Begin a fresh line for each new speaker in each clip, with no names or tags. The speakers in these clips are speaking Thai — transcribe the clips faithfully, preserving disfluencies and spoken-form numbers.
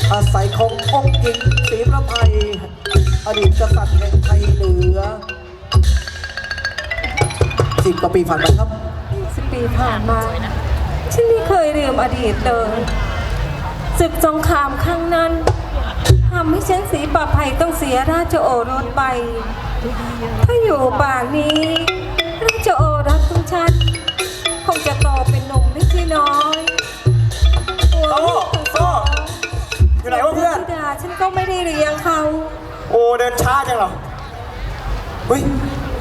อาศัยขององค์หญิงศรีประภัยอดีตกษัตริย์แห่งไทยเหนือสิบกว่าปีผ่านไปครับ
สิบปีผ่านมาฉันไม่เคยลืมอดีตเลยศึกสงครามครั้งนั้นทำให้ฉันศรีประภัยต้องเสียราชโอรสไปถ้าอยู่ป่านนี้ราชโอรสของฉันคงจะโตเป็นหนุ่มไม่ใช่น้อย
โต้โต้อยู่ไหนวะเพื่อน
ดาฉันก็ไม่ได้เลี้ยงเขา
โอ้เดินช้าจังเหรอเฮ้ย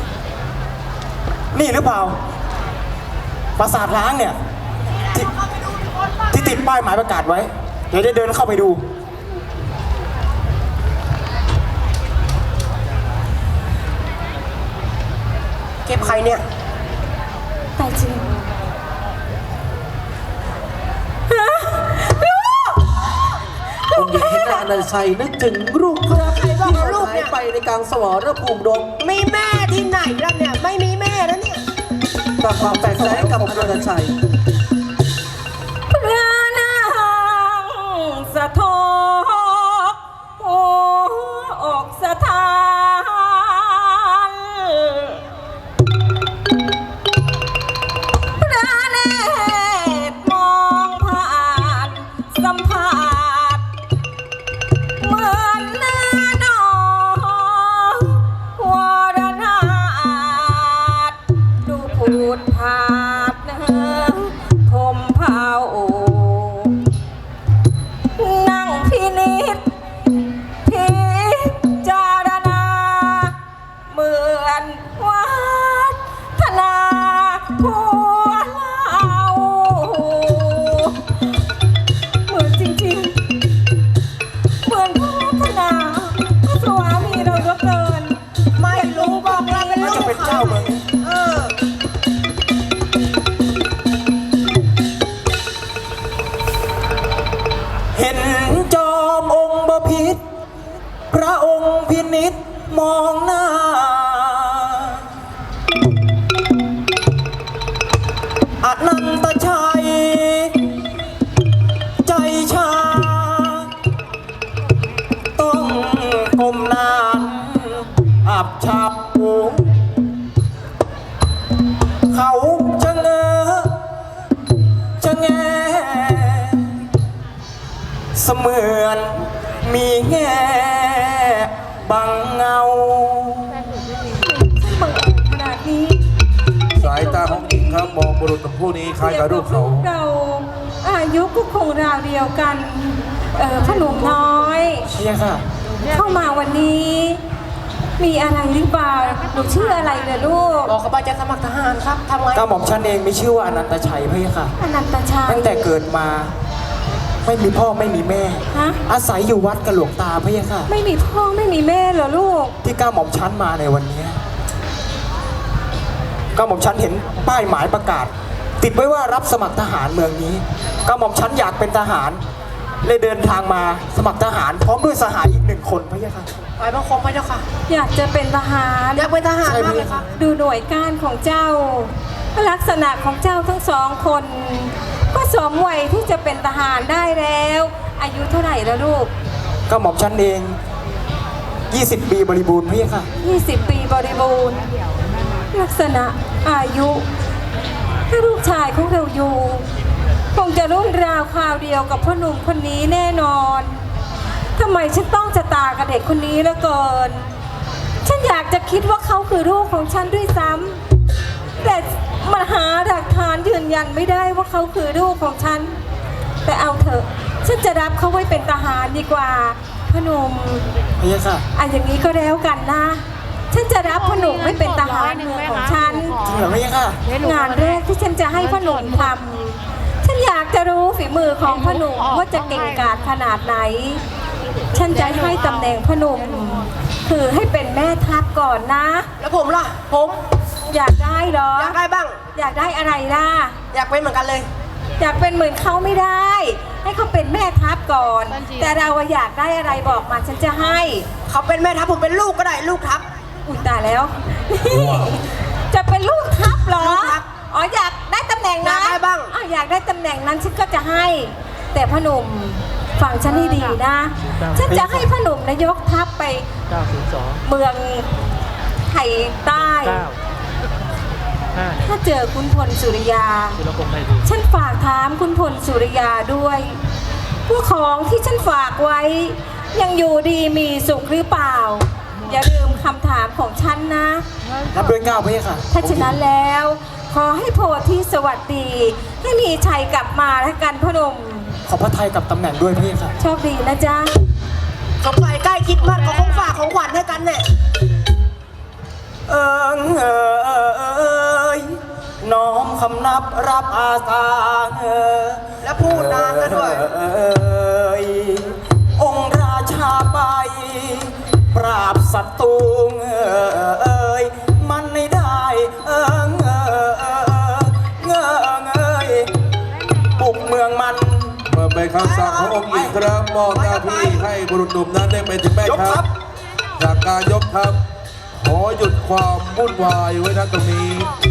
นี่หรือเปล่าปราสาทล้างเนี่ยที่ที่ติดป้ายหมายประกาศไว้เดี๋ยวได้เดินเข้าไปดูเก็บใครเนี่ย
แต่จริง
องค์หญิงเห็นนางอนันชัยนึกถึงรูปภาพที่หายไปในกลางสวรรภูมิดง
มีแม่ที่ไหนล่ะเนี่ยไม่มีแม่แล้วเนี่ย
กับความแตกแยกกับอนันชัย
พระนางสะทกโอ้อกสะท้านพระเนตรมองผ่านสัมผัสเหมือนเนื้อน้องวรนาถดูผูดผาดเนื้อคมเผานั่งพินิจพิจารณาเหมือนวัฒนาผัวเราเหมือนจริงๆเหมือนพระวัฒนาพระสวามีเราเหลือเกิน
ไม่รู้บอกเราเป็นลูก
จะเป็นเจ้าเมือง
เออ
เห็นจอมองค์บพิตรพระองค์พินิจมองหน้าอนันตชัยใจชาต้องก้มหน้าอับฉับเขาจะเงอจะแงเสมือนมีแง่บังเงา
บังเอิญขนาดนี้
สายตาของหญิงครับมองบุรุษผู้นี้คล้ายกับรูปเขา
เราอายุก็คงราวเดียวกันเออขนมน้อย
เชียค่ะ
เข้ามาวันนี้มีอะไรหรือเปล่าหนูชื่ออะไรเนี่ยลูก
บอกเขาไปจะสมัครทหารครับทำไง
ก้าหม่อมฉันเองมีชื่อว่าอนันตชัยพี่ค่ะ
อนันตชัย
ตั้งแต่เกิดมาไม่มีพ่อไม่มีแม่อาศัยอยู่วัดกับหลวงตาพี่ค่ะ
ไม่มีพ่อไม่มีแม่เหรอลูก
ที่ก้าหม่อมฉันมาในวันนี้ก้าหม่อมฉันเห็นป้ายหมายประกาศติดไว้ว่ารับสมัครทหารเมืองนี้ก้าหม่อมฉันอยากเป็นทหารเลยเดินทางมาสมัครทหารพร้อมด้วยสหายอีกหนึ่งคนพี่ค่ะ
ไปบังคมไปเจ้าค่ะ
อยากจะเป็นทหาร
อยากเป็นทหารมากเลยค่ะ
ดูหน่วยก้านของเจ้าลักษณะของเจ้าทั้งสองคนก็สมวัยที่จะเป็นทหารได้แล้วอายุเท่าไหร่แล้วลูก
ก็หม่อมฉันเองยี่สิบปีบริบูรณ์พี่ค่ะ
ยี่สิบปีบริบูรณ์ลักษณะอายุถ้าลูกชายของเราอยู่คงจะรุ่นราวคราวเดียวกับพ่อหนุ่มคนนี้แน่นอนทำไมฉันต้องจะตากับเด็กคนนี้เหลือเกินฉันอยากจะคิดว่าเขาคือลูกของฉันด้วยซ้ำแต่มันหาหลักฐานยืนยันไม่ได้ว่าเขาคือลูกของฉันแต่เอาเถอะฉันจะรับเขาไว้เป็นทหารดีกว่าพ่อหนุ่ม
พี่ค่ะ
อันอย่างนี้ก็แล้วกันนะฉันจะรับพ่อหนุ่มไม่เป็นทหารเมืองของฉัน
จริงเหรอพี่ค่ะ
งานแรกที่ฉันจะให้พ่อหนุ่มทำฉันอยากจะรู้ฝีมือของพ่อหนุ่มว่าจะเก่งกาจขนาดไหนฉันจะให้ตำแหน่งพ่อหนุ่มคือให้เป็นแม่ทัพก่อนนะ
แล้วผมล่ะผม
อยากได้เหรอ
อยากได้บ้าง
อยากได้อะไรล่ะ
อยากเป็นเหมือนกันเลย
อยากเป็นเหมือนเขาไม่ได้ให้เขาเป็นแม่ทัพก่อนแต่เราอยากได้อะไรบอกมาฉันจะให้
เขาเป็นแม่ทัพผมเป็นลูกก็ได้ลูกทัพ
อุ้ยตายแล้วจะเป็นลูกทัพเหรออ๋ออยากได้ตำแหน่งนั้น
อยากได้บ้าง
อ๋ออยากได้ตำแหน่งนั้นฉันก็จะให้แต่พ่อหนุ่มฟังฉันให้ดีนะ ฉันจะให้พ่อหนุ่มนายกทัพไป
เก้าศูนย์สอง
เมืองไทยใต้
เก้าห้า
ถ้าเจอคุณพลสุริยา
จุลพงษ์ไทยดี
ฉันฝากถามคุณพลสุริยาด้วยว่าของที่ฉันฝากไว้ ยังอยู่ดีมีสุขหรือเปล่า อย่าลืมคำถามของฉันนะ
รับด้วยเกล้าพระยาค่ะ
ถ้าฉะนั้นแล้ว ขอให้โพธิสวัสดี ให้มีชัยกลับมาแล้วกันพ่อหนุ่ม
ขอพระทัยกับตำแหน่งด้วยพระยาค่ะ
โชคดีนะจ๊ะ
สงสัยใกล้คิดมากก็คงฝากของขวัญให้กันเนี่ย
เอิงเอยน้อมคำนับรับอาสาเออ
แล้วพูดนานซะด้วย
เอยองค์ราชาไป ปราบศัตรูเอยมันไม่ได้เอิงเอยเงงเอยบุกเมืองมัน
เมื่อเป็นคำสั่งขององค์หญิงครับมอบหน้าที่ให้บุรุษหนุ่มนั้นได้เป็นถึงแม่
ยกทั
ทั
พ
พจากการยกทัพขอหยุดความวุ่นวายไว้ณตรงนี้